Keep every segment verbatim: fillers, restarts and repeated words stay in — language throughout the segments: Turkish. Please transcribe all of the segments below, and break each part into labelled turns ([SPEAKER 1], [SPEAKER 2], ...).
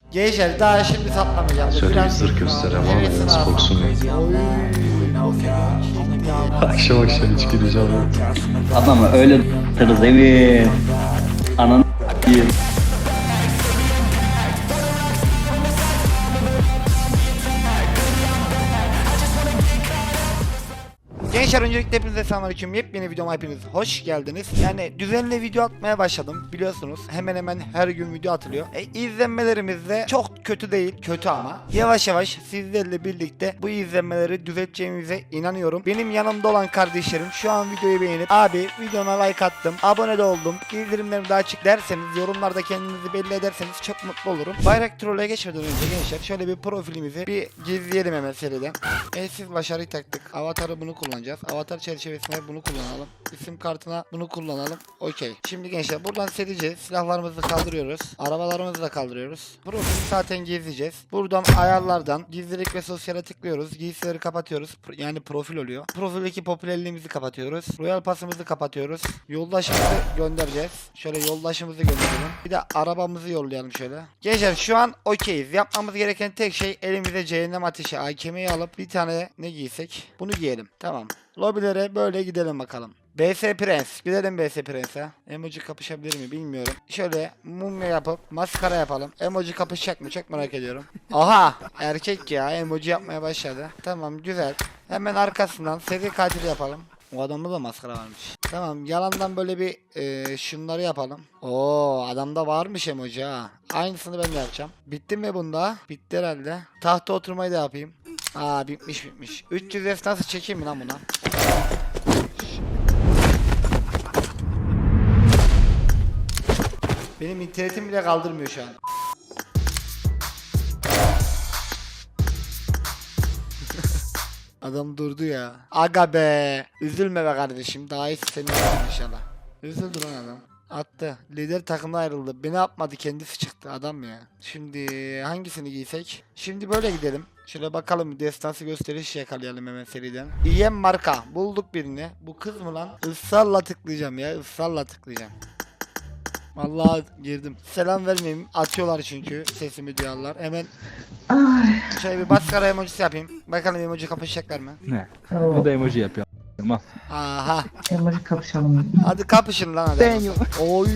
[SPEAKER 1] Gençler daha şimdi saplamayacağım.
[SPEAKER 2] Şöyle bir zırh göstereyim ama nasıl koksun. Akşam akşam hiç gireceğim.
[SPEAKER 3] Adamı öyle tırız evi. Ananı s**eyim.
[SPEAKER 1] Gençler öncelikle hepinize selamünaleyküm. Yepyeni videoma hepiniz hoş geldiniz. Yani düzenli video atmaya başladım biliyorsunuz. Hemen hemen her gün video atılıyor. E, izlenmelerimiz de çok kötü değil. Kötü ama. Yavaş yavaş sizlerle birlikte bu izlenmeleri düzelteceğimize inanıyorum. Benim yanımda olan kardeşlerim şu an videoyu beğenip abi videona like attım, abone de oldum, bildirimlerimi de açık derseniz, yorumlarda kendinizi belli ederseniz çok mutlu olurum. Bayrak Troll'e geçmeden önce gençler şöyle bir profilimizi bir gizleyelim hemen seriden. E, siz başarıyı taktık. Avatarı bunu kullanacağız. Avatar çerçevesine bunu kullanalım. İsim kartına bunu kullanalım. Okey. Şimdi gençler buradan serice silahlarımızı kaldırıyoruz. Arabalarımızı da kaldırıyoruz. Profili zaten gezeceğiz. Buradan ayarlardan gizlilik ve sosyale tıklıyoruz. Giysileri kapatıyoruz. Yani profil oluyor. Profildeki popülerliğimizi kapatıyoruz. Royal pasımızı kapatıyoruz. Yoldaşımızı göndereceğiz. Şöyle yoldaşımızı gönderelim. Bir de arabamızı yollayalım şöyle. Gençler şu an okeyiz. Yapmamız gereken tek şey elimize cehennem ateşi A K M'yi alıp bir tane ne giysek? Bunu giyelim. Tamam. Lobilere böyle gidelim bakalım. B S Prens. Gidelim B S Prens'e. Emoji kapışabilir mi bilmiyorum. Şöyle mumya yapıp maskara yapalım. Emoji kapışacak mı çok merak ediyorum. Aha! Erkek ya. Emoji yapmaya başladı. Tamam güzel. Hemen arkasından seri katil yapalım. O adamda da maskara varmış. Tamam yalandan böyle bir e, şunları yapalım. Oo adamda varmış emoji ha. Aynısını ben de yapacağım. Bitti mi bunda? Bitti herhalde. Tahta oturmayı da yapayım. Aa bitmiş bitmiş. üç yüz F nasıl çekeyim mi lan buna? Benim internetim bile kaldırmıyor şu an. Adam durdu ya. Aga be. Üzülme be kardeşim. Daha iyisi senin olsun inşallah. Üzüldü lan adam. Attı. Lider takımdan ayrıldı. Beni yapmadı kendisi çıktı adam ya. Şimdi hangisini giysek? Şimdi böyle gidelim. Şöyle bakalım destansı gösteriş yakalayalım hemen seriden. İ M marka. Bulduk birini. Bu kız mı lan? Israrla tıklayacağım ya. Israrla tıklayacağım. Vallahi girdim. Selam vermeyeyim. Atıyorlar çünkü. Sesimi duyarlar. Hemen
[SPEAKER 4] Ay.
[SPEAKER 1] şöyle bir maskara emojisi yapayım. Bakalım emoji kapışacaklar mı?
[SPEAKER 5] Ne?
[SPEAKER 4] Tamam.
[SPEAKER 5] Bu da emoji yapıyor. Al.
[SPEAKER 1] Aha.
[SPEAKER 4] Emoji kapışalım.
[SPEAKER 1] Hadi kapışın lan hadi.
[SPEAKER 5] Ben yok.
[SPEAKER 1] Oy.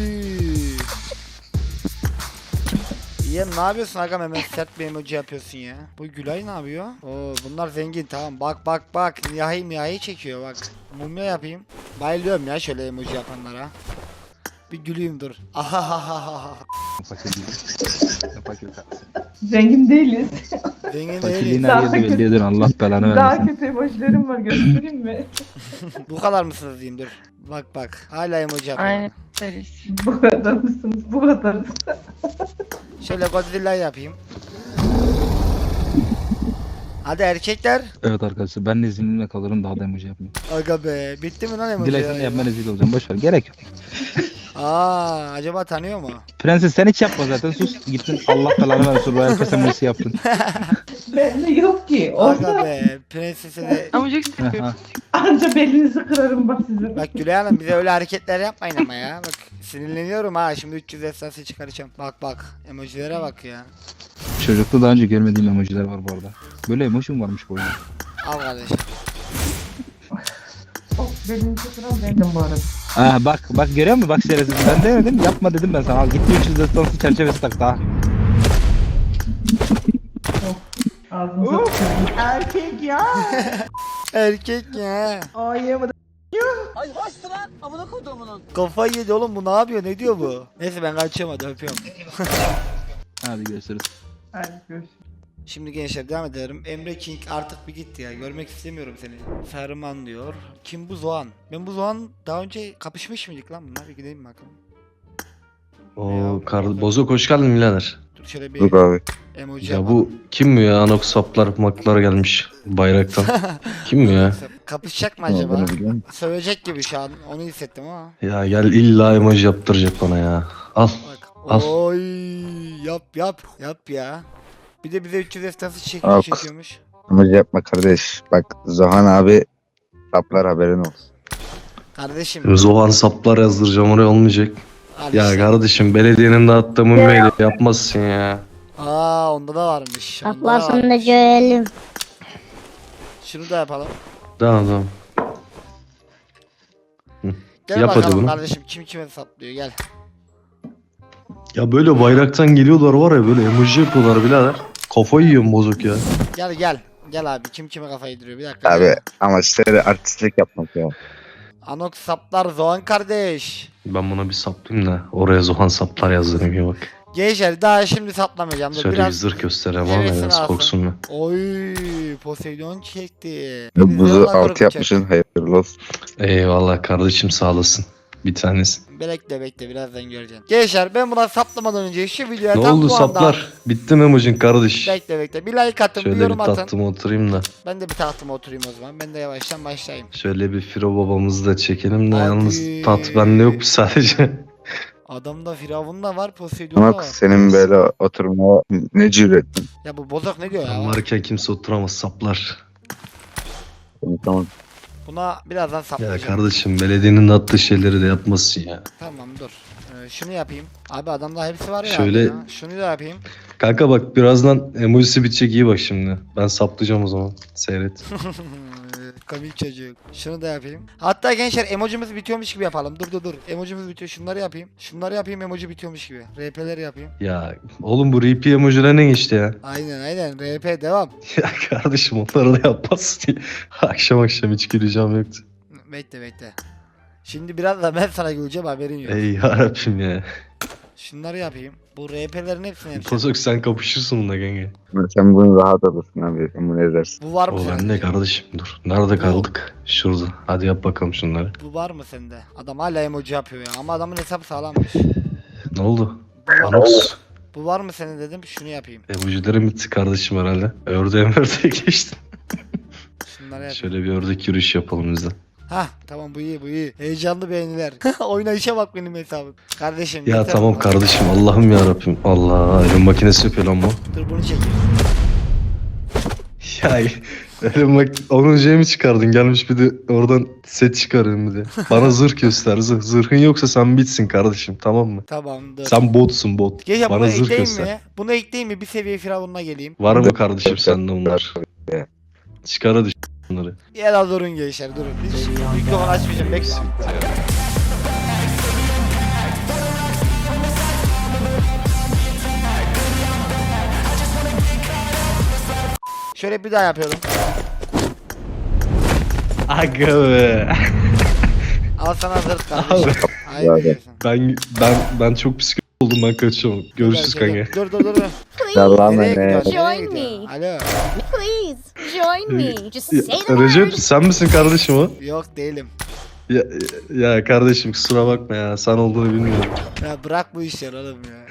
[SPEAKER 1] İyem ne yapıyorsun agam hemen sert bir emoji yapıyorsun ya. Bu Gülay ne yapıyor? Oo bunlar zengin tamam bak bak bak niyahi niyahi çekiyor bak. Mumya yapayım. Bayılıyorum ya şöyle emoji yapanlara. Bir güleyim dur. Ahahaha.
[SPEAKER 5] Fakir değil. Fakir kalsın.
[SPEAKER 4] Zengin değiliz.
[SPEAKER 1] Zengin
[SPEAKER 5] Fakirliğin
[SPEAKER 1] değiliz.
[SPEAKER 5] her
[SPEAKER 4] Daha
[SPEAKER 5] yerde
[SPEAKER 4] kötü-
[SPEAKER 5] belli ediyor. Allah belanı
[SPEAKER 4] Daha
[SPEAKER 5] vermesin.
[SPEAKER 4] kötü emojilerim var, göstereyim mi?
[SPEAKER 1] Bu kadar mısınız diyeyim dur. Bak bak hala emoji yapıyor.
[SPEAKER 6] Aynen deriz.
[SPEAKER 4] Bu kadar mısınız? Bu kadarız.
[SPEAKER 1] Şöyle Godzilla yapayım. Hadi erkekler.
[SPEAKER 5] Evet arkadaşlar ben de izinimle kalırım daha da emoji yapmayayım.
[SPEAKER 1] Aga be bitti mi lan emoji?
[SPEAKER 5] Dilersen de yapma rezil olacağım. Boş ver. Gerek yok.
[SPEAKER 1] Aa acaba tanıyor mu?
[SPEAKER 5] Prenses sen hiç yapma zaten sus. Gittin Allah belanı versin. Royal Pass emojisi yaptın.
[SPEAKER 4] Bende yok ki.
[SPEAKER 1] Aga
[SPEAKER 4] Olsa
[SPEAKER 1] be prensese de.
[SPEAKER 6] Ama çok sıkıyor.
[SPEAKER 5] Aha.
[SPEAKER 4] anca belinizi kırarım bak sizin.
[SPEAKER 1] Bak Gülay Hanım bize öyle hareketler yapmayın ama ya. Bak sinirleniyorum ha şimdi üç yüz esası çıkaracağım. Bak bak emojilere bak ya.
[SPEAKER 5] Çocukta daha önce görmediğim emojiler var bu arada. Böyle emoji mi varmış bu oyunda?
[SPEAKER 1] Al kardeşim.
[SPEAKER 4] Oh, belinizi kıran bendim bu arada.
[SPEAKER 5] Ha bak bak görüyor musun bak şerefsiz ben demedim yapma dedim ben sana al gitti üç yüz destansı çerçevesi tak daha.
[SPEAKER 4] Ağzınıza tüküreyim.
[SPEAKER 6] Erkek ya.
[SPEAKER 1] Erkek ya.
[SPEAKER 4] Ay yamadım.
[SPEAKER 1] Kafayı yedi oğlum bu ne yapıyor ne diyor bu? Neyse ben kaçıyorum hadi öpüyorum.
[SPEAKER 5] Hadi görüşürüz.
[SPEAKER 4] Hadi görüşürüz.
[SPEAKER 1] Şimdi gençler devam edelim. Emre King artık bir gitti ya. Görmek istemiyorum seni. Ferman diyor. Kim bu Zoğan? Ben bu Zoğan daha önce kapışmış mıydık lan bunlar? Bir gidelim bakalım.
[SPEAKER 2] Oo kar bozuk hoş geldin birader.
[SPEAKER 1] Dur şöyle bir
[SPEAKER 7] Yok abi.
[SPEAKER 1] emoji
[SPEAKER 2] Ya
[SPEAKER 1] yapalım.
[SPEAKER 2] bu kim bu ya? Anok saplar maklar gelmiş bayraktan. Kim bu ya?
[SPEAKER 1] Kapışacak mı
[SPEAKER 7] Ne
[SPEAKER 1] acaba?
[SPEAKER 7] olduğunu biliyor musun?
[SPEAKER 1] Sövecek gibi şu an. Onu hissettim ama.
[SPEAKER 2] Ya gel illa emoji yaptıracak bana ya. Al.
[SPEAKER 1] Bak.
[SPEAKER 2] Al.
[SPEAKER 1] Oy yap yap yap ya. Bir de bize üç yüz estası çek
[SPEAKER 7] Al.
[SPEAKER 1] çekiyormuş.
[SPEAKER 7] Emoji yapma kardeş. Bak Zohan abi saplar haberin olsun.
[SPEAKER 1] Kardeşim.
[SPEAKER 2] Zohan saplar yazdıracağım oraya olmayacak. Ya
[SPEAKER 1] kardeşim.
[SPEAKER 2] kardeşim belediyenin dağıttığı mumyayla yapmazsın ya.
[SPEAKER 1] Aa onda da varmış. Onda da
[SPEAKER 8] Atlasını da
[SPEAKER 1] varmış.
[SPEAKER 8] görelim.
[SPEAKER 1] Şunu da yapalım.
[SPEAKER 2] Tamam tamam.
[SPEAKER 1] Gel
[SPEAKER 2] Yap hadi
[SPEAKER 1] bakalım
[SPEAKER 2] bunu.
[SPEAKER 1] kardeşim kim kime saplıyor gel.
[SPEAKER 2] Ya böyle bayraktan geliyorlar var ya böyle emoji yapıyorlar birader. Kafayı yiyorum bozuk ya.
[SPEAKER 1] Gel gel. Gel abi kim kime kafayı yediriyor bir dakika.
[SPEAKER 7] Abi
[SPEAKER 1] gel.
[SPEAKER 7] ama size artistlik yapmak ya.
[SPEAKER 1] Anok saplar Zohan kardeş.
[SPEAKER 2] Ben buna bir saplayayım da oraya Zohan saplar yazdırayım ya bak.
[SPEAKER 1] Gençler daha şimdi saplamayacağım. Dur,
[SPEAKER 2] Şöyle
[SPEAKER 1] biraz...
[SPEAKER 2] bir zırh göstereyim ama
[SPEAKER 1] hevesini
[SPEAKER 2] biraz
[SPEAKER 1] alsın.
[SPEAKER 2] korksun mu?
[SPEAKER 1] Oy Poseidon çekti.
[SPEAKER 7] Buzu
[SPEAKER 1] Bizi
[SPEAKER 7] altı
[SPEAKER 1] korkutacak.
[SPEAKER 7] yapmışsın hayırlı olsun.
[SPEAKER 2] Eyvallah kardeşim sağ olasın. Bir tanesi.
[SPEAKER 1] Bekle bekle birazdan göreceksin. Gençler ben buna saplamadan önce şu videoya
[SPEAKER 2] Ne
[SPEAKER 1] tam
[SPEAKER 2] oldu
[SPEAKER 1] bu anda...
[SPEAKER 2] saplar? Bitti mi emojin kardeş?
[SPEAKER 1] Bekle bekle bir like atın bir
[SPEAKER 2] Şöyle bir
[SPEAKER 1] yorum atın.
[SPEAKER 2] tahtıma oturayım da.
[SPEAKER 1] Ben de bir tahtıma oturayım o zaman. Ben de yavaştan başlayayım.
[SPEAKER 2] Şöyle bir Firo babamızı da çekelim de
[SPEAKER 1] Hadi.
[SPEAKER 2] yalnız taht bende yok sadece.
[SPEAKER 1] Adamda Firavun da var Poseidon da
[SPEAKER 7] Ama
[SPEAKER 1] var.
[SPEAKER 7] senin böyle oturmaya ne cüretin.
[SPEAKER 1] Ya bu bozok ne diyor
[SPEAKER 2] Ben
[SPEAKER 1] ya?
[SPEAKER 2] varken kimse oturamaz saplar.
[SPEAKER 7] Tamam.
[SPEAKER 1] Buna birazdan
[SPEAKER 2] Ya
[SPEAKER 1] saplayacağım.
[SPEAKER 2] kardeşim belediyenin de attığı şeyleri de yapmasın ya.
[SPEAKER 1] Tamam dur. Ee, şunu yapayım. Abi adamda hepsi var ya.
[SPEAKER 2] Şöyle-
[SPEAKER 1] ya. Şunu da yapayım.
[SPEAKER 2] Kanka bak birazdan emojisi bitecek iyi bak şimdi. Ben saplayacağım o zaman. Seyret.
[SPEAKER 1] Komik çocuk. Şunu da yapayım. Hatta gençler emojimiz bitiyormuş gibi yapalım. Dur dur dur. Emojimiz bitiyor. Şunları yapayım. Şunları yapayım emoji bitiyormuş gibi. R P'leri yapayım.
[SPEAKER 2] Ya oğlum bu R P emojiler ne geçti ya?
[SPEAKER 1] Aynen aynen. R P devam.
[SPEAKER 2] Ya kardeşim onları da yapmazsın diye. Akşam akşam hiç güleceğim yoktu.
[SPEAKER 1] Bekle bekle. Şimdi biraz da ben sana güleceğim haberin yok.
[SPEAKER 2] Ey yarabbim ya.
[SPEAKER 1] Şunları yapayım. Bu R P'lerin hepsini yapacağım.
[SPEAKER 2] Kozok sen kapışırsın bununla kanka.
[SPEAKER 7] Sen bunu rahat alırsın abi. Sen bunu edersin.
[SPEAKER 1] Bu var mı
[SPEAKER 2] O
[SPEAKER 1] sende?
[SPEAKER 2] bende kardeşim dur. Nerede kaldık? Şurada. Hadi yap bakalım şunları.
[SPEAKER 1] Bu var mı sende? Adam hala emoji yapıyor ya. Ama adamın hesabı sağlammış.
[SPEAKER 2] Ne oldu? Anox.
[SPEAKER 1] Bu var mı senin dedim. Şunu yapayım.
[SPEAKER 2] Emojilerim bitti kardeşim herhalde. Ördeğe ördeğe geçtim.
[SPEAKER 1] Şunları yapayım.
[SPEAKER 2] Şöyle bir ördek yürüyüş yapalım biz de.
[SPEAKER 1] Hah tamam bu iyi bu iyi. Heyecanlı beğeniler. Oynayışa bak benim hesabım. Kardeşim.
[SPEAKER 2] Ya
[SPEAKER 1] yeter
[SPEAKER 2] tamam
[SPEAKER 1] bu.
[SPEAKER 2] kardeşim Allah'ım ya Rabbim. Allah elin makinesi yapıyor lan bu.
[SPEAKER 1] Dur bunu çekeyim.
[SPEAKER 2] Ya elin bak onun mi çıkardın gelmiş bir de oradan set çıkarın bir de. Bana zırh göster zırh. Zırhın yoksa sen bitsin kardeşim tamam mı?
[SPEAKER 1] Tamam dur.
[SPEAKER 2] Sen botsun bot.
[SPEAKER 1] Gece bunu
[SPEAKER 2] Bana zırh
[SPEAKER 1] ekleyeyim
[SPEAKER 2] göster.
[SPEAKER 1] mi? Bunu ekleyeyim mi? Bir seviye firavununa geleyim.
[SPEAKER 2] Var mı kardeşim sende bunlar? Çıkar hadi bunları.
[SPEAKER 1] Ya da durun gençler durun. Hiç mikrofon açmayacağım bekle. Şöyle bir daha yapıyorum.
[SPEAKER 2] Aga be.
[SPEAKER 1] Al sana zırh kardeşim. Hayır
[SPEAKER 7] Abi.
[SPEAKER 1] diyorsun.
[SPEAKER 2] Ben ben ben çok psikolog oldum ben kaçıyorum. Görüşürüz
[SPEAKER 1] Gel, gel,
[SPEAKER 2] kanka.
[SPEAKER 1] gel. Dur dur dur. dur.
[SPEAKER 7] Allah'ım
[SPEAKER 1] Nereye
[SPEAKER 7] ne?
[SPEAKER 1] gidiyorsun? Nereye
[SPEAKER 8] Join
[SPEAKER 1] gidiyorsun?
[SPEAKER 8] me.
[SPEAKER 1] Alo.
[SPEAKER 8] Please join me. Just
[SPEAKER 2] Ya,
[SPEAKER 8] say the
[SPEAKER 2] Recep
[SPEAKER 8] word.
[SPEAKER 2] sen misin kardeşim o?
[SPEAKER 1] Yok değilim.
[SPEAKER 2] Ya, ya kardeşim kusura bakma ya sen olduğunu bilmiyorum.
[SPEAKER 1] Ya bırak bu işleri oğlum ya.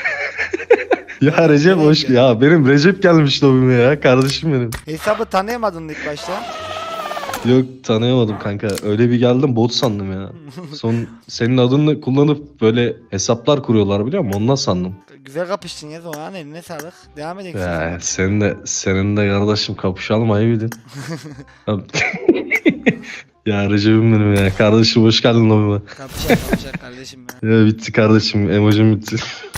[SPEAKER 2] Ya Recep hoş ya benim Recep gelmiş lobime ya kardeşim benim.
[SPEAKER 1] Hesabı tanıyamadın ilk başta.
[SPEAKER 2] Yok tanıyamadım kanka öyle bir geldim bot sandım ya. Son senin adını kullanıp böyle hesaplar kuruyorlar biliyor musun ondan sandım.
[SPEAKER 1] Güzel kapıştın ya zaman eline sağlık. Devam edelim.
[SPEAKER 2] Ya senin de senin de kardeşim kapışalım ayıbıydın. Ya Recep'im benim ya kardeşim hoş geldin lobime.
[SPEAKER 1] Kapışak kapışak kardeşim ya.
[SPEAKER 2] Ya bitti kardeşim emojim bitti.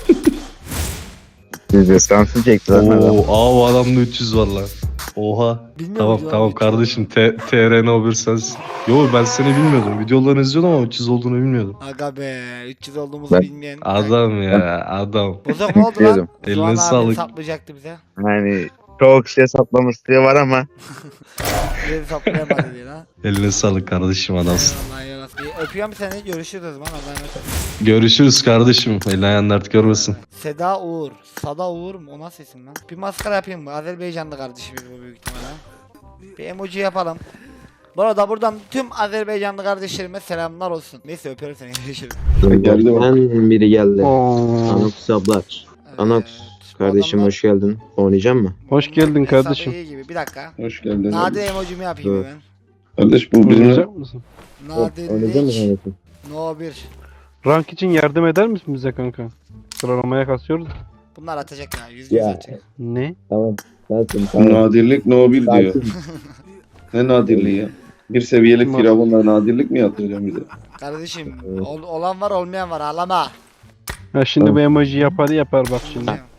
[SPEAKER 7] Biz destansı çektiler.
[SPEAKER 2] Oo, aa bu adamda üç yüz var lan. Oha.
[SPEAKER 1] Bilmiyorum
[SPEAKER 2] Tamam
[SPEAKER 1] videoları
[SPEAKER 2] tamam
[SPEAKER 1] hiç.
[SPEAKER 2] kardeşim T R N o bir sensin. Yo ben seni bilmiyordum. Videolarını izliyordum ama üç yüz olduğunu bilmiyordum.
[SPEAKER 1] Aga be üç yüz olduğumuzu
[SPEAKER 7] Ben-
[SPEAKER 1] bilmeyen.
[SPEAKER 2] Adam ya adam.
[SPEAKER 1] Bozok ne oldu lan?
[SPEAKER 7] Biliyordum.
[SPEAKER 2] Eline
[SPEAKER 1] Zuhan abi
[SPEAKER 2] sağlık.
[SPEAKER 1] saplayacaktı bize.
[SPEAKER 7] Yani çok şey saplamışlığı var ama.
[SPEAKER 1] Bizi saplayamadı diye lan.
[SPEAKER 2] Eline sağlık kardeşim adamsın.
[SPEAKER 1] Allah yarasın. Öpüyorum seni görüşürüz o zaman. Allah'a emanet ol.
[SPEAKER 2] Görüşürüz kardeşim. Elini ayağını dert görmesin.
[SPEAKER 1] Seda Uğur. Sada Uğur mu? O nasıl isim lan? Bir maskara yapayım mı? Azerbaycanlı kardeşimiz bu büyük ihtimalle. Bir emoji yapalım. Bu arada buradan tüm Azerbaycanlı kardeşlerime selamlar olsun. Neyse öpüyorum seni. Görüşürüz.
[SPEAKER 9] Ben biri geldi. Anox abla.
[SPEAKER 1] Evet,
[SPEAKER 9] Anox
[SPEAKER 1] bu
[SPEAKER 9] kardeşim
[SPEAKER 1] adamlar
[SPEAKER 9] hoş geldin. Oynayacak mı?
[SPEAKER 5] Hoş geldin
[SPEAKER 1] hesabı
[SPEAKER 5] kardeşim.
[SPEAKER 1] iyi gibi. Bir dakika.
[SPEAKER 10] Hoş geldin.
[SPEAKER 1] Nadir emojimi yapayım
[SPEAKER 9] Evet.
[SPEAKER 1] hemen.
[SPEAKER 10] Kardeş bu bizim
[SPEAKER 5] Oynayacak mısın?
[SPEAKER 9] Oynayacak mı
[SPEAKER 1] Nadirlik
[SPEAKER 9] kardeşim?
[SPEAKER 1] no bir.
[SPEAKER 5] Rank için yardım eder misin bize kanka? Sıralamaya kasıyoruz.
[SPEAKER 1] Bunlar atacak ya. Yüz yüz
[SPEAKER 9] Ya.
[SPEAKER 1] atacak.
[SPEAKER 5] Ne?
[SPEAKER 9] Tamam. Zaten tamam.
[SPEAKER 10] nadirlik no bir diyor.
[SPEAKER 9] Sakin.
[SPEAKER 10] Ne nadirliği ya? Bir seviyelik firavunla nadirlik mi yaptıracağım bize?
[SPEAKER 1] Kardeşim ol- olan var olmayan var ağlama.
[SPEAKER 5] Ha şimdi bu emoji yapar yapar bak şimdi.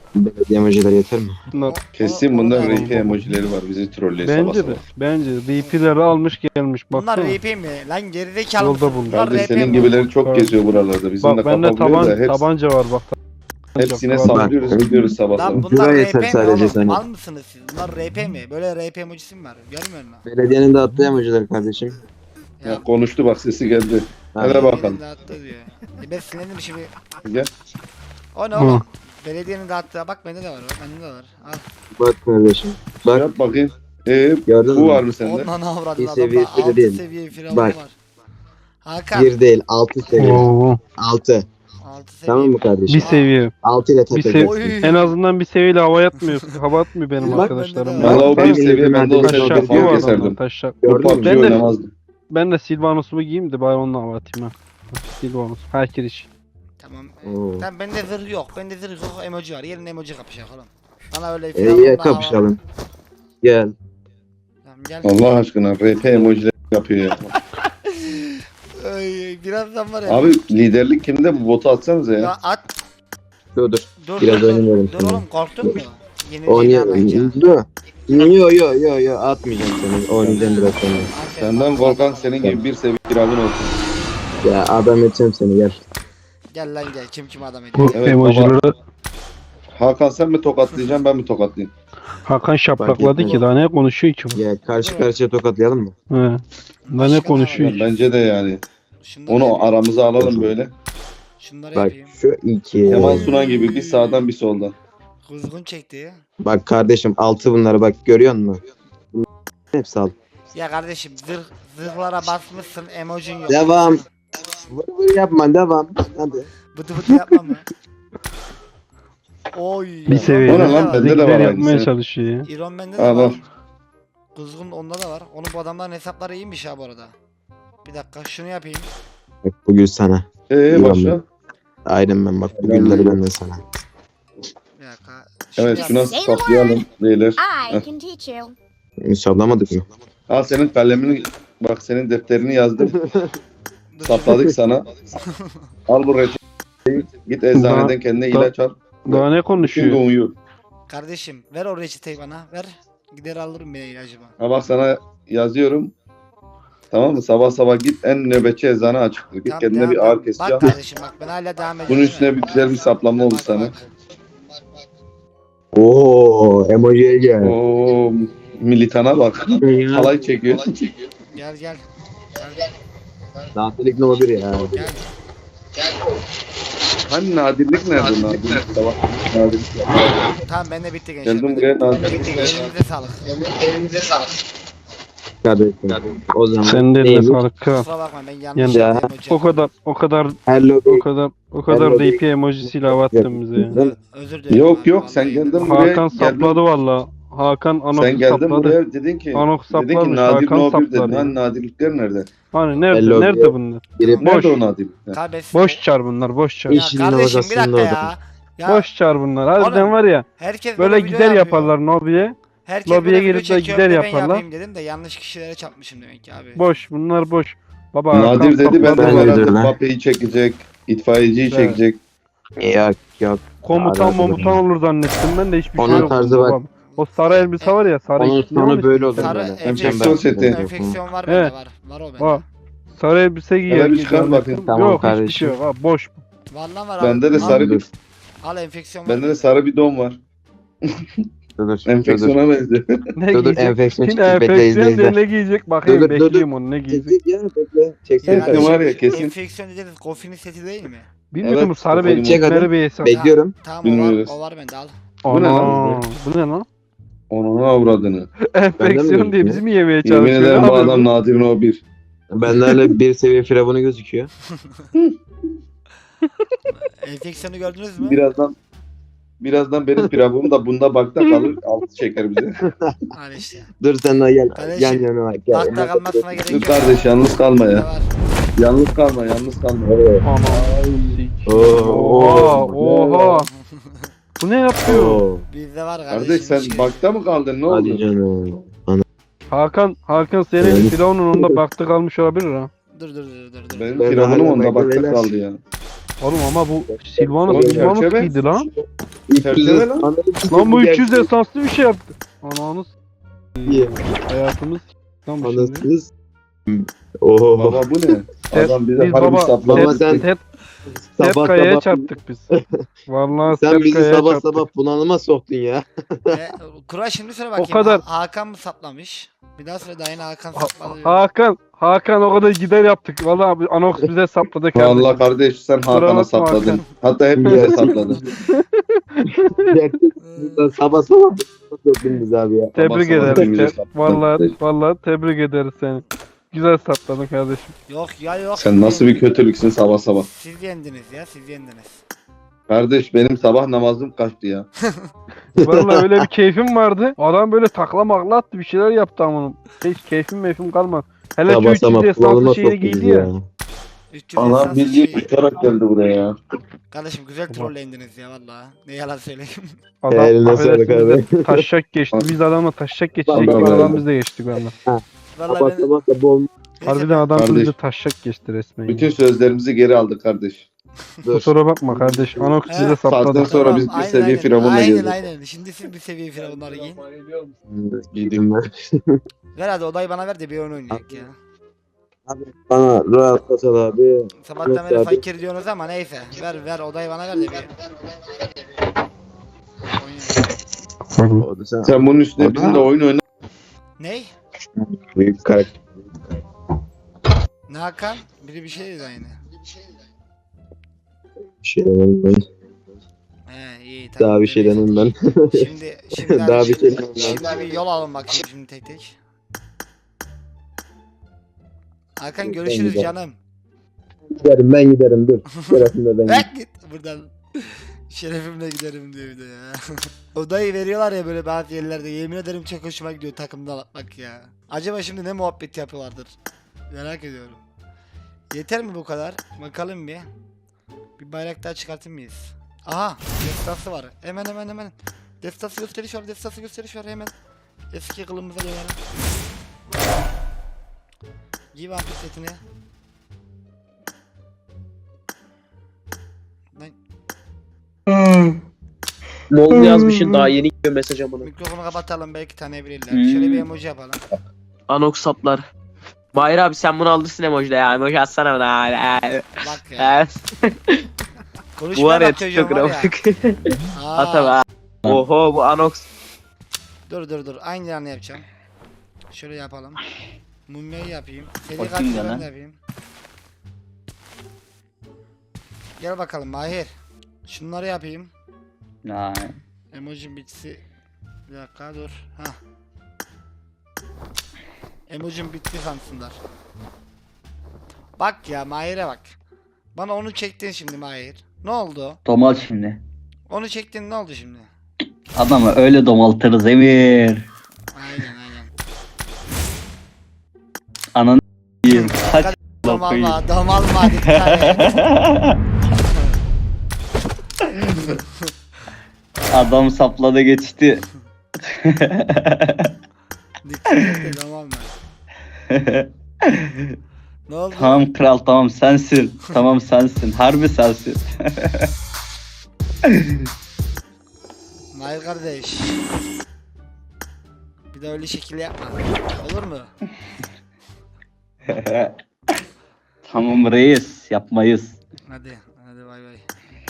[SPEAKER 9] Belediye emojileri yeter mi?
[SPEAKER 1] O-
[SPEAKER 10] Kesin
[SPEAKER 1] o-
[SPEAKER 10] bunda
[SPEAKER 1] o-
[SPEAKER 10] R P emojileri var bizi trolleyen sabah
[SPEAKER 11] Bence
[SPEAKER 10] sabah.
[SPEAKER 11] de. Bence de. D P'leri almış gelmiş.
[SPEAKER 1] Bunlar
[SPEAKER 11] Baksana.
[SPEAKER 1] R P mi? Lan gerizekalı
[SPEAKER 11] Yolda
[SPEAKER 1] mısın?
[SPEAKER 11] buldum.
[SPEAKER 1] Bunlar
[SPEAKER 10] Kardeş
[SPEAKER 1] R P
[SPEAKER 10] senin
[SPEAKER 1] mi?
[SPEAKER 10] gibileri çok
[SPEAKER 11] Bak.
[SPEAKER 10] geziyor buralarda. Bizim de
[SPEAKER 11] Bak bende
[SPEAKER 10] kafa buluyor
[SPEAKER 11] taban,
[SPEAKER 10] da hepsi,
[SPEAKER 11] tabanca var bak.
[SPEAKER 10] hepsine
[SPEAKER 11] Tabanca var.
[SPEAKER 10] sallıyoruz
[SPEAKER 9] Bak.
[SPEAKER 10] gidiyoruz sabah
[SPEAKER 1] Lan
[SPEAKER 10] sabah.
[SPEAKER 1] bunlar
[SPEAKER 9] Şuraya
[SPEAKER 1] R
[SPEAKER 9] yeter
[SPEAKER 1] P mi
[SPEAKER 9] sadece
[SPEAKER 1] oğlum?
[SPEAKER 9] sana.
[SPEAKER 1] Mal mısınız siz? Bunlar R P mi? Böyle R P emojisi mi var? Görmüyor musun?
[SPEAKER 9] Belediyenin de attığı emojiler kardeşim.
[SPEAKER 10] Ya konuştu bak sesi geldi.
[SPEAKER 9] Ha.
[SPEAKER 10] Hele bakalım.
[SPEAKER 1] Belediyenin dağıttığı diyor. E ben sinirlendim şimdi.
[SPEAKER 10] Gel.
[SPEAKER 1] O ne
[SPEAKER 11] Hı.
[SPEAKER 1] oğlum? Belediyenin dağıttığı. Bak bende de var o. Bende de var. Al.
[SPEAKER 9] Bak kardeşim. Bak
[SPEAKER 10] Yap bakayım. Ee,
[SPEAKER 9] gördün
[SPEAKER 10] bu
[SPEAKER 9] mü?
[SPEAKER 10] var mı sende?
[SPEAKER 1] Ondan avradım
[SPEAKER 9] Bir
[SPEAKER 1] adamda.
[SPEAKER 9] seviye bile
[SPEAKER 1] altı
[SPEAKER 9] değil.
[SPEAKER 1] seviye firavun
[SPEAKER 9] Bak.
[SPEAKER 1] var. Hakan.
[SPEAKER 9] Bir değil altı seviye.
[SPEAKER 11] Oo.
[SPEAKER 9] Altı.
[SPEAKER 1] altı seviye.
[SPEAKER 9] Tamam mı kardeşim?
[SPEAKER 11] Bir seviye.
[SPEAKER 9] Altı ile
[SPEAKER 11] Bir
[SPEAKER 9] tepeceksin.
[SPEAKER 1] Oy.
[SPEAKER 11] En azından bir seviyeyle hava atmıyor. Hava atmıyor benim
[SPEAKER 1] Bak,
[SPEAKER 11] arkadaşlarım.
[SPEAKER 1] bende de
[SPEAKER 11] Ben,
[SPEAKER 10] Valla o
[SPEAKER 11] ben,
[SPEAKER 10] bir seviye ben de o seviye
[SPEAKER 11] taşak
[SPEAKER 10] kafamı
[SPEAKER 11] bu adamlar
[SPEAKER 10] keserdim.
[SPEAKER 11] taşak.
[SPEAKER 10] O
[SPEAKER 9] Gördün
[SPEAKER 10] P U B
[SPEAKER 9] mü?
[SPEAKER 10] G
[SPEAKER 11] Ben de-
[SPEAKER 10] oynamazdım.
[SPEAKER 11] Ben de Silvanus'umu giyeyim de bari onunla hava atayım ha. Silvanus. Herkes iş.
[SPEAKER 1] Tamam.
[SPEAKER 9] Oo.
[SPEAKER 1] Tamam bende zırh yok. Bende zırh yok. Emoji var. Yerine emoji kapışacak oğlum. Bana öyle
[SPEAKER 9] E,
[SPEAKER 1] firavunla
[SPEAKER 9] iyi
[SPEAKER 1] hava-
[SPEAKER 9] kapışalım. Gel.
[SPEAKER 1] Tamam gel.
[SPEAKER 10] Allah aşkına R P emojileri yapıyor ya.
[SPEAKER 1] Ay, birazdan var ya.
[SPEAKER 10] Abi liderlik kimde bu botu atsanıza ya.
[SPEAKER 1] Ya at.
[SPEAKER 9] Dur dur.
[SPEAKER 1] Dur
[SPEAKER 9] Biraz
[SPEAKER 1] dur, dur.
[SPEAKER 9] oynayalım
[SPEAKER 1] Dur
[SPEAKER 9] şimdi.
[SPEAKER 1] oğlum korktun mu? Yenileceğini
[SPEAKER 9] Oynayalım.
[SPEAKER 1] anlayınca.
[SPEAKER 9] Dur. Yo yo yo yo atmayacağım seni. Oynayacağım biraz sonra.
[SPEAKER 1] Aferin.
[SPEAKER 10] Senden korkan senin gibi bir seviye firavun olsun.
[SPEAKER 9] Ya adam edeceğim seni gel.
[SPEAKER 1] Gel lan gel. Kim kim adam ediyor.
[SPEAKER 11] Bu
[SPEAKER 10] Evet,
[SPEAKER 11] emojileri
[SPEAKER 10] Hakan sen mi tokatlayacaksın ben mi tokatlayayım?
[SPEAKER 11] Hakan şaplakladı ki daha ne konuşuyor ki bu?
[SPEAKER 9] Gel karşı karşıya tokatlayalım mı?
[SPEAKER 11] He. Daha ne konuşuyor
[SPEAKER 10] Ya
[SPEAKER 11] ki?
[SPEAKER 10] bence de yani.
[SPEAKER 1] Şunları
[SPEAKER 10] Onu
[SPEAKER 1] yapayım.
[SPEAKER 10] aramıza alalım böyle.
[SPEAKER 1] Şunları
[SPEAKER 9] Bak
[SPEAKER 1] yapayım.
[SPEAKER 9] şu iki.
[SPEAKER 10] Kemal Sunal gibi bir sağdan bir soldan.
[SPEAKER 1] Kuzgun çekti.
[SPEAKER 9] Bak kardeşim altı bunları bak görüyor musun? Hepsi alt.
[SPEAKER 1] Ya kardeşim zırh, zırhlara basmışsın emojin yok.
[SPEAKER 9] Devam. Vır vır yapma devam. Hadi.
[SPEAKER 1] Bıtı bıtı yapma mı? Oy.
[SPEAKER 11] Bir seviye.
[SPEAKER 10] O ne lan? Bende de var
[SPEAKER 11] Bizimkiler
[SPEAKER 10] aynısı.
[SPEAKER 11] yapmaya çalışıyor ya.
[SPEAKER 1] İron bende de
[SPEAKER 10] Ha,
[SPEAKER 1] var.
[SPEAKER 10] var.
[SPEAKER 1] Kuzgun onda da var. Onun bu adamların hesapları iyiymiş ha bu arada. Bir dakika şunu yapayım.
[SPEAKER 9] Bak bugün sana.
[SPEAKER 10] Ee başla.
[SPEAKER 9] Aynen ben bak bugünleri ben de sana.
[SPEAKER 1] Bir dakika.
[SPEAKER 10] Evet
[SPEAKER 1] yap-
[SPEAKER 10] şuna saplayalım beyler.
[SPEAKER 8] I can teach you.
[SPEAKER 9] Müsablamadık mı?
[SPEAKER 10] Al senin kalemini bak senin defterini yazdım.
[SPEAKER 1] Dur,
[SPEAKER 10] Sapladık sana. Al bu reçeteyi. Git eczaneden kendine ilaç al.
[SPEAKER 11] Daha ne
[SPEAKER 10] Şimdi
[SPEAKER 11] konuşuyor?
[SPEAKER 10] uyu.
[SPEAKER 1] Kardeşim ver o reçeteyi bana ver. Gider alırım ben ilacımı.
[SPEAKER 10] Ha bak sana yazıyorum. Tamam mı? Sabah sabah git en nöbetçi eczane açıktır. Git
[SPEAKER 1] Tamam,
[SPEAKER 10] kendine
[SPEAKER 1] devam-
[SPEAKER 10] bir ağrı kesici al.
[SPEAKER 1] Bak kardeşim bak ben hala devam ediyorum.
[SPEAKER 10] Bunun üstüne bir güzel bir saplama olur
[SPEAKER 1] Bak,
[SPEAKER 10] sana.
[SPEAKER 1] bak.
[SPEAKER 9] Oo emojiye gel.
[SPEAKER 10] Oo militana bak. Halay çekiyor.
[SPEAKER 1] Gel gel. Gel
[SPEAKER 9] Nafilik ne olur ya.
[SPEAKER 1] gel.
[SPEAKER 10] Hani nadirlik nerede nadirlik? Sabah nadirlik.
[SPEAKER 1] Tamam ben de bitti gençler.
[SPEAKER 10] Geldim
[SPEAKER 1] Ben de-
[SPEAKER 10] buraya
[SPEAKER 1] ben de
[SPEAKER 10] nadirlik.
[SPEAKER 1] bitti. Elinize sağlık.
[SPEAKER 9] Kardeşim. O zaman
[SPEAKER 11] Sen de eline
[SPEAKER 9] neymiş?
[SPEAKER 11] sağlık kral.
[SPEAKER 1] Kusura bakma ben yanlış
[SPEAKER 9] Ya.
[SPEAKER 1] yaptım emoji.
[SPEAKER 11] O kadar o kadar
[SPEAKER 9] Hello.
[SPEAKER 11] o kadar o kadar
[SPEAKER 9] Hello,
[SPEAKER 11] D P emojisiyle hava attın bize ya.
[SPEAKER 1] Ö- Özür dilerim.
[SPEAKER 10] Yok
[SPEAKER 1] abi,
[SPEAKER 10] yok
[SPEAKER 1] vallahi.
[SPEAKER 10] sen geldin buraya.
[SPEAKER 11] Hakan
[SPEAKER 10] geldin.
[SPEAKER 11] sapladı valla. Hakan Anok'u
[SPEAKER 10] Sen geldin
[SPEAKER 11] sapladı.
[SPEAKER 10] buraya dedin ki
[SPEAKER 11] Anok
[SPEAKER 10] dedin ki
[SPEAKER 11] saplamış,
[SPEAKER 10] nadir
[SPEAKER 11] Hakan
[SPEAKER 10] no bir dedin.
[SPEAKER 11] sapladı.
[SPEAKER 10] Hani nadirlikler nerede?
[SPEAKER 11] Hani nerede
[SPEAKER 9] Hello,
[SPEAKER 11] nerede
[SPEAKER 9] diyor.
[SPEAKER 11] bunlar?
[SPEAKER 9] Biri
[SPEAKER 10] Nerede
[SPEAKER 11] Boş.
[SPEAKER 10] o nadirlikler?
[SPEAKER 1] Kardeş.
[SPEAKER 11] Boş çar bunlar boş çar.
[SPEAKER 1] Ya
[SPEAKER 9] İşin
[SPEAKER 1] kardeşim bir
[SPEAKER 9] inovasını
[SPEAKER 1] dakika
[SPEAKER 9] da
[SPEAKER 1] ya. Ya
[SPEAKER 11] Boş çar bunlar. Harbiden
[SPEAKER 1] Oğlum,
[SPEAKER 11] var ya
[SPEAKER 1] herkes
[SPEAKER 11] böyle
[SPEAKER 1] video
[SPEAKER 11] gider
[SPEAKER 1] yapıyor.
[SPEAKER 11] yaparlar Nobi'ye.
[SPEAKER 1] Herkes
[SPEAKER 11] lobiye
[SPEAKER 1] böyle video
[SPEAKER 11] gelip de
[SPEAKER 1] çekiyor,
[SPEAKER 11] gider
[SPEAKER 1] bir de ben
[SPEAKER 11] yaparlar.
[SPEAKER 1] yapayım dedim de yanlış kişilere çarpmışım demek ki abi.
[SPEAKER 11] Boş bunlar boş. Baba Hakan
[SPEAKER 10] Nadir dedi ben de
[SPEAKER 11] sapladı.
[SPEAKER 9] Ben
[SPEAKER 10] bu
[SPEAKER 9] de
[SPEAKER 10] arada
[SPEAKER 9] dedim, ha.
[SPEAKER 10] Mbappé'yi çekecek. İtfaiyeciyi
[SPEAKER 11] Evet.
[SPEAKER 10] çekecek.
[SPEAKER 9] Yok yok.
[SPEAKER 11] Komutan
[SPEAKER 9] Alakası
[SPEAKER 11] momutan
[SPEAKER 9] yok.
[SPEAKER 11] olur zannettim ben de hiçbir şey
[SPEAKER 9] Onun
[SPEAKER 11] yok.
[SPEAKER 9] tarzı bak.
[SPEAKER 11] Babam. O sarı elbise var ya sarı
[SPEAKER 9] Onun
[SPEAKER 11] ne onun
[SPEAKER 9] sonu böyle
[SPEAKER 11] ismi?
[SPEAKER 9] olur
[SPEAKER 1] Sarı
[SPEAKER 9] böyle.
[SPEAKER 10] enfeksiyon seti.
[SPEAKER 1] Enfeksiyon var bende
[SPEAKER 11] Evet.
[SPEAKER 1] var. Var o bende.
[SPEAKER 11] Bak. Sarı elbise giyer.
[SPEAKER 10] Hele bir çıkar
[SPEAKER 11] zannettim.
[SPEAKER 10] bakayım.
[SPEAKER 9] Tamam
[SPEAKER 11] Yok hiçbir
[SPEAKER 9] kardeşim.
[SPEAKER 11] şey yok. Ha, boş.
[SPEAKER 1] Vallahi var
[SPEAKER 10] Bende
[SPEAKER 1] abi.
[SPEAKER 10] de
[SPEAKER 1] Al-
[SPEAKER 10] sarı bir
[SPEAKER 1] Al enfeksiyon var.
[SPEAKER 10] bende de sarı bir don var.
[SPEAKER 9] Dur dur. Dur dur.
[SPEAKER 10] Enfeksiyona benziyor.
[SPEAKER 11] Ne
[SPEAKER 9] Dur dur
[SPEAKER 11] giyecek?
[SPEAKER 9] enfeksiyon
[SPEAKER 11] Şimdi
[SPEAKER 9] çıktı. Bekle izle
[SPEAKER 11] enfeksiyon diye
[SPEAKER 9] izle.
[SPEAKER 11] ne giyecek? Bakayım
[SPEAKER 9] Dur, dur, dur,
[SPEAKER 11] bekleyeyim onu ne giyecek.
[SPEAKER 9] Çektik ya bekle. Çeksene
[SPEAKER 1] Yani
[SPEAKER 10] Enfeksiyon
[SPEAKER 9] kardeşim.
[SPEAKER 10] var ya kesin.
[SPEAKER 1] Enfeksiyon dediğiniz Goffy'nin seti değil mi?
[SPEAKER 11] Bilmiyorum
[SPEAKER 10] Evet,
[SPEAKER 11] sarı
[SPEAKER 10] bakalım.
[SPEAKER 11] bir
[SPEAKER 9] Çek hadi.
[SPEAKER 11] çekmeli bir hesap.
[SPEAKER 9] Bekliyorum.
[SPEAKER 1] Tamam o var,
[SPEAKER 10] Bilmiyoruz.
[SPEAKER 1] o var bende al.
[SPEAKER 10] Bu ne lan?
[SPEAKER 11] Ana, bu ne lan?
[SPEAKER 10] Onun avradını.
[SPEAKER 11] Enfeksiyon diye
[SPEAKER 9] gözüküyor?
[SPEAKER 11] bizi mi yemeye
[SPEAKER 10] Yemin
[SPEAKER 11] çalışıyor?
[SPEAKER 10] ederim
[SPEAKER 11] Ne
[SPEAKER 10] bu
[SPEAKER 11] yapıyor
[SPEAKER 10] adam Nadir no bir.
[SPEAKER 9] Bende hala bir seviye firavunu gözüküyor.
[SPEAKER 1] Enfeksiyonu gördünüz mü?
[SPEAKER 10] Birazdan birazdan benim pilavım da bunda bakta kalır. Altı çeker bize.
[SPEAKER 1] Al işte.
[SPEAKER 9] Dur sen de gel.
[SPEAKER 1] Kardeşim,
[SPEAKER 9] Gel yanıma gel.
[SPEAKER 1] Bakta kalmasına gerek
[SPEAKER 10] Dur
[SPEAKER 1] yok.
[SPEAKER 10] kardeş yalnız kalma
[SPEAKER 1] Bende
[SPEAKER 10] ya.
[SPEAKER 1] var.
[SPEAKER 10] Yalnız kalma yalnız kalma.
[SPEAKER 9] Evet.
[SPEAKER 11] Ana.
[SPEAKER 9] Oo,
[SPEAKER 11] Oha,
[SPEAKER 9] oo.
[SPEAKER 11] oha. Bu ne yapıyor?
[SPEAKER 9] Oo.
[SPEAKER 1] Bizde var kardeşim.
[SPEAKER 10] Kardeş sen
[SPEAKER 1] hiç-
[SPEAKER 10] bakta mı kaldın ne
[SPEAKER 9] Hadi
[SPEAKER 10] oldu?
[SPEAKER 9] canım.
[SPEAKER 11] Hakan, Hakan senin
[SPEAKER 9] Evet.
[SPEAKER 11] firavunun onda baktı kalmış olabilir ha.
[SPEAKER 1] Dur dur dur dur. dur.
[SPEAKER 10] Benim
[SPEAKER 9] Ben
[SPEAKER 10] firavunum
[SPEAKER 9] hala
[SPEAKER 10] onda
[SPEAKER 9] bekle
[SPEAKER 10] bakta
[SPEAKER 9] beyler.
[SPEAKER 10] kaldı ya.
[SPEAKER 11] Oğlum ama bu Silvanus
[SPEAKER 10] Oğlum,
[SPEAKER 11] Silvanus
[SPEAKER 10] çerçeve.
[SPEAKER 11] giydi lan.
[SPEAKER 10] Çerçeve lan.
[SPEAKER 11] Lan bu üç yüz esanslı bir şey yaptı. Ananı
[SPEAKER 9] İyi.
[SPEAKER 11] hayatımız lan bu şimdi.
[SPEAKER 9] Anasınız. Oho.
[SPEAKER 10] Baba bu ne? Adam bize
[SPEAKER 11] Biz
[SPEAKER 10] harbi
[SPEAKER 11] baba
[SPEAKER 10] sapladı.
[SPEAKER 9] Baba sen
[SPEAKER 11] Ted, Ted
[SPEAKER 9] sabah
[SPEAKER 11] Kaya'ya
[SPEAKER 9] sabah
[SPEAKER 11] çarptık biz. Vallahi
[SPEAKER 9] sen
[SPEAKER 11] Ted
[SPEAKER 9] bizi
[SPEAKER 11] Kaya'ya
[SPEAKER 9] sabah
[SPEAKER 11] çarptık.
[SPEAKER 9] sabah bunalıma soktun ya.
[SPEAKER 1] E, Kura şimdi söyle bakayım.
[SPEAKER 11] kadar.
[SPEAKER 1] Ha- Hakan mı saplamış? Bir daha söyle daha yine Hakan
[SPEAKER 11] Ha-
[SPEAKER 1] sapladı.
[SPEAKER 11] Hakan, Hakan o kadar gider yaptık. Vallahi abi Anox bize sapladı kardeşim.
[SPEAKER 10] Vallahi kardeş sen
[SPEAKER 11] Kusura
[SPEAKER 10] Hakan'a
[SPEAKER 11] bakma
[SPEAKER 10] sapladın.
[SPEAKER 11] Hakan.
[SPEAKER 10] Hatta hepimize sapladın.
[SPEAKER 9] Sen sabah sabah soktun bizi abi ya.
[SPEAKER 11] Tebrik
[SPEAKER 10] Sabah sabah
[SPEAKER 11] ederiz.
[SPEAKER 10] bize
[SPEAKER 11] Ted.
[SPEAKER 10] sapladın.
[SPEAKER 11] Vallahi vallahi tebrik ederiz seni. Güzel sapladın kardeşim.
[SPEAKER 1] Yok ya yok.
[SPEAKER 10] Sen nasıl bir kötülüksün sabah sabah.
[SPEAKER 1] Siz yendiniz ya siz yendiniz.
[SPEAKER 10] Kardeş benim sabah namazım kaçtı ya.
[SPEAKER 11] Vallahi öyle bir keyfim vardı. Adam böyle takla makla attı bir şeyler yaptı ama hiç keyfim meyfim kalmadı. Hele şu
[SPEAKER 9] Sabah
[SPEAKER 11] üç yüz
[SPEAKER 9] sabah
[SPEAKER 11] esanslı
[SPEAKER 9] bunalıma
[SPEAKER 11] şeyini
[SPEAKER 9] soktun
[SPEAKER 11] giydi
[SPEAKER 9] bizi
[SPEAKER 11] ya.
[SPEAKER 9] ya.
[SPEAKER 1] üç yüz
[SPEAKER 10] Allah
[SPEAKER 1] esans
[SPEAKER 10] bildiği
[SPEAKER 1] şey.
[SPEAKER 10] uçarak geldi buraya ya.
[SPEAKER 1] Kardeşim güzel trollendiniz ya vallahi. Ne yalan söyleyeyim.
[SPEAKER 11] Adam
[SPEAKER 9] Eline
[SPEAKER 11] affedersin
[SPEAKER 9] sağlık
[SPEAKER 11] bize taşak geçti. Biz adamla taşak geçecek
[SPEAKER 10] Vallahi
[SPEAKER 11] gibi adam
[SPEAKER 10] öyle.
[SPEAKER 11] biz de geçtik valla.
[SPEAKER 1] Vallahi
[SPEAKER 9] Sabah
[SPEAKER 1] ben...
[SPEAKER 9] sabah da bol
[SPEAKER 11] Harbiden adam
[SPEAKER 10] Kardeş.
[SPEAKER 11] bize taşak geçti resmen. ya.
[SPEAKER 10] Bütün sözlerimizi geri aldık kardeş.
[SPEAKER 11] Kusura bakma kardeş. Anox bize
[SPEAKER 1] He,
[SPEAKER 11] sapladı.
[SPEAKER 10] Saatten sonra biz bir
[SPEAKER 1] aynen,
[SPEAKER 10] seviye
[SPEAKER 1] aynen.
[SPEAKER 10] firavunla
[SPEAKER 1] Aynen
[SPEAKER 10] gezdik.
[SPEAKER 1] aynen. Şimdi siz bir seviye firavunları giyin.
[SPEAKER 9] giydim ben.
[SPEAKER 1] Ver hadi odayı bana ver de bir oyun oynayalım ya.
[SPEAKER 9] Abi bana rahat kasal abi.
[SPEAKER 1] Sabahtan
[SPEAKER 9] Yok
[SPEAKER 1] beri
[SPEAKER 9] abi.
[SPEAKER 1] fakir diyorsunuz ama neyse. Ver ver odayı bana ver de bir. Oynayalım.
[SPEAKER 9] O da sen.
[SPEAKER 10] Sen bunun üstüne bizimle oyun oyna.
[SPEAKER 1] Ney?
[SPEAKER 9] Büyük karakter.
[SPEAKER 1] Ne Hakan? Biri bir şey dedi aynı.
[SPEAKER 9] Bir şey demem ben.
[SPEAKER 1] He iyi tamam.
[SPEAKER 9] Daha bir şey demem ben.
[SPEAKER 1] Şimdi şimdi
[SPEAKER 9] Daha
[SPEAKER 1] hadi
[SPEAKER 9] bir
[SPEAKER 1] şimdi,
[SPEAKER 9] şey demem ben.
[SPEAKER 1] şimdi bir yol alın bakayım şimdi tek tek. Hakan görüşürüz
[SPEAKER 9] giderim.
[SPEAKER 1] canım.
[SPEAKER 9] Giderim ben giderim dur. Şerefimle ben giderim.
[SPEAKER 1] Bak git buradan. Şerefimle giderim diyor bir de ya. Odayı veriyorlar ya böyle bazı yerlerde. Yemin ederim çok hoşuma gidiyor takımda bak ya. Acaba şimdi ne muhabbet yapıyorlardır? Merak ediyorum. Yeter mi bu kadar? Bakalım bir. Bir bayrak daha çıkartır mıyız? Aha, destası var. Hemen hemen hemen. Destası gösteriş var, destası gösteriş var hemen. Eski kılımıza dönelim. Giy vampir setini. Lan
[SPEAKER 12] Mol yazmışsın daha yeni gidiyor mesaj amına.
[SPEAKER 1] mikrofonu kapatalım belki tanıyabilirler.
[SPEAKER 3] Hmm.
[SPEAKER 1] Şöyle bir emoji yapalım.
[SPEAKER 12] Anox saplar. Bahir abi sen bunu alırsın emoji'de ya. Emoji atsana bana.
[SPEAKER 1] Bak ya.
[SPEAKER 12] Bu var
[SPEAKER 1] Konuşmaya
[SPEAKER 12] ya
[SPEAKER 1] bak çocuğum
[SPEAKER 12] TikTok
[SPEAKER 1] var ya.
[SPEAKER 12] grafik.
[SPEAKER 1] Aa,
[SPEAKER 12] Atama. Oho bu Anox.
[SPEAKER 1] Dur dur dur. Aynı yanı yapacağım. Şöyle yapalım. Mumyayı yapayım. Seri
[SPEAKER 3] Bakayım
[SPEAKER 1] katil
[SPEAKER 3] ya
[SPEAKER 1] ben
[SPEAKER 3] lan.
[SPEAKER 1] de yapayım. Gel bakalım Mahir. Şunları yapayım.
[SPEAKER 3] Ay.
[SPEAKER 1] Emoji bitsi. Bir dakika dur. Hah. Emojim bitti sansınlar. Bak ya Mahir'e bak. Bana onu çektin şimdi Mahir. Ne oldu?
[SPEAKER 3] Domal şimdi.
[SPEAKER 1] Onu çektin ne oldu şimdi?
[SPEAKER 3] Adamı öyle domaltırız Emir.
[SPEAKER 1] Aynen aynen.
[SPEAKER 3] Ananı s**eyim. Kaç
[SPEAKER 1] Domalma, domalma dikkat et.
[SPEAKER 3] adam sapladı geçti.
[SPEAKER 1] Dikkat et de domalma. Ne oldu?
[SPEAKER 3] Tamam kral tamam sensin. Tamam sensin. Harbi sensin.
[SPEAKER 1] Mahir kardeş. Bir de öyle şekil yapma. Olur mu?
[SPEAKER 3] Tamam reis yapmayız.
[SPEAKER 1] Hadi. Hadi bay bay.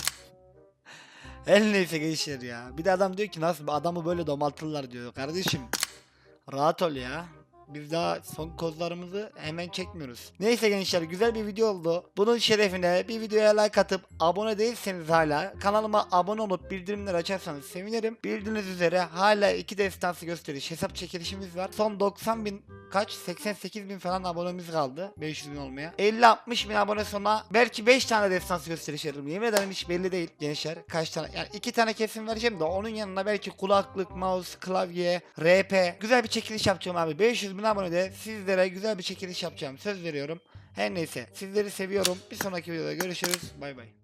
[SPEAKER 1] El neyse gençler ya. Bir de adam diyor ki nasıl adamı böyle domaltırlar diyor. Kardeşim rahat ol ya. Biz daha son kozlarımızı hemen çekmiyoruz. Neyse gençler güzel bir video oldu. Bunun şerefine bir videoya like atıp abone değilseniz hala kanalıma abone olup bildirimleri açarsanız sevinirim. Bildiğiniz üzere hala iki destansı gösteriş hesap çekilişimiz var. Son doksan bin kaç seksen sekiz bin falan abonemiz kaldı. beş yüz bin olmaya. elli altmış bin abone sonra belki beş tane destansı gösteriş veririm. Yemin ederim hiç belli değil gençler. Kaç tane yani iki tane kesin vereceğim de onun yanına belki kulaklık, mouse, klavye, R P güzel bir çekiliş yapacağım abi. beş yüz bin abonede sizlere güzel bir çekiliş yapacağım. Söz veriyorum. Her neyse sizleri seviyorum. Bir sonraki videoda görüşürüz. Bay bay.